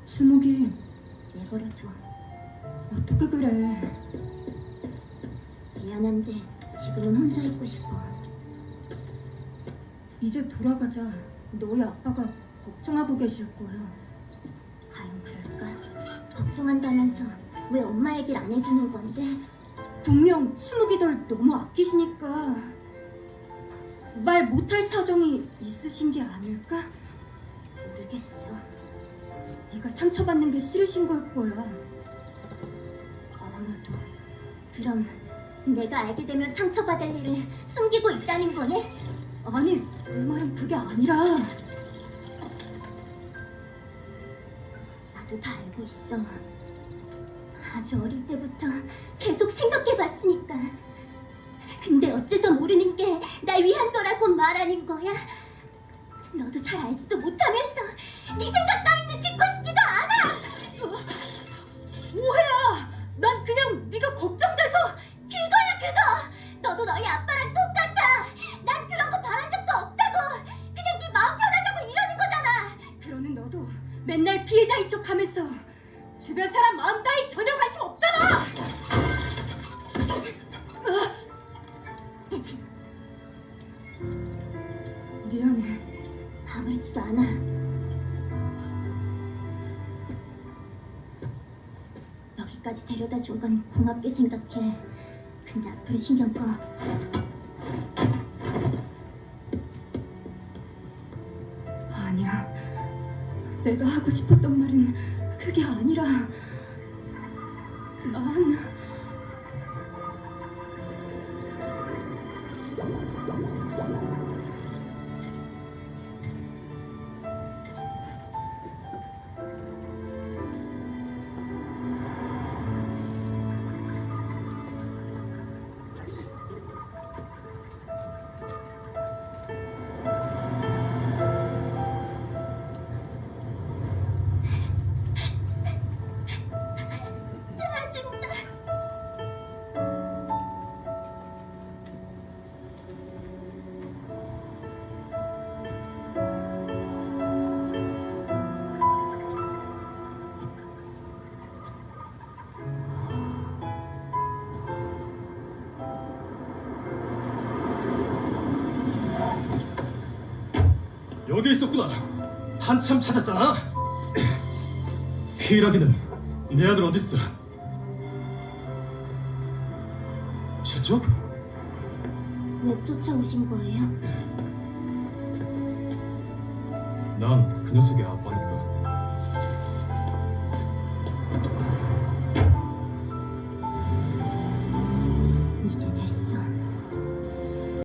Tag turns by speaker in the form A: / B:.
A: 주먹이 내버려둬. 어떻게 그래?
B: 미안한데 지금은 혼자 있고 싶어.
A: 이제 돌아가자. 너희 아빠가 걱정하고 계실 거야.
B: 과연 그럴까? 걱정한다면서 왜 엄마 얘기를 안 해주는 건데?
A: 분명 추묵이 널 너무 아끼시니까 말 못할 사정이 있으신 게 아닐까?
B: 모르겠어.
A: 네가 상처받는 게 싫으신 걸 거야. 아마도.
B: 그럼 내가 알게 되면 상처받을 일을 숨기고 있다는 거네?
A: 아니, 내 말은 그게 아니라.
B: 나도 다 알고 있어. 아주 어릴 때부터 계속 생각해봤으니까. 근데 어째서 모르는 게 날 위한 거라고 말하는 거야? 너도 잘 알지도 못하면서 네 생각 따위는 듣고 싶지도 않아!
A: 오해야! 난 그냥 네가 걱정돼서.
B: 그거야 그거! 너도 너희 아빠랑 똑같아! 난 그런 거 바란 적도 없다고! 그냥 네 마음 편하자고 이러는 거잖아!
A: 그러는 너도 맨날 피해자인 척하면서 주변 사람 마음 따위 전혀 관심 없잖아! 미안해.
B: 아무렇지도 않아. 여기까지 데려다 준 건 고맙게 생각해. 근데 앞으로 신경 꺼.
A: 아니야. 내가 하고 싶었던 말은 그게 아니라 난
B: 짜증나.
C: 여기 있었구나. 한참 찾았잖아. 히라기는 내 아들 어딨어? 저쪽?
B: 왜 쫓아오신 거예요?
C: 난 그 녀석의 아빠니까.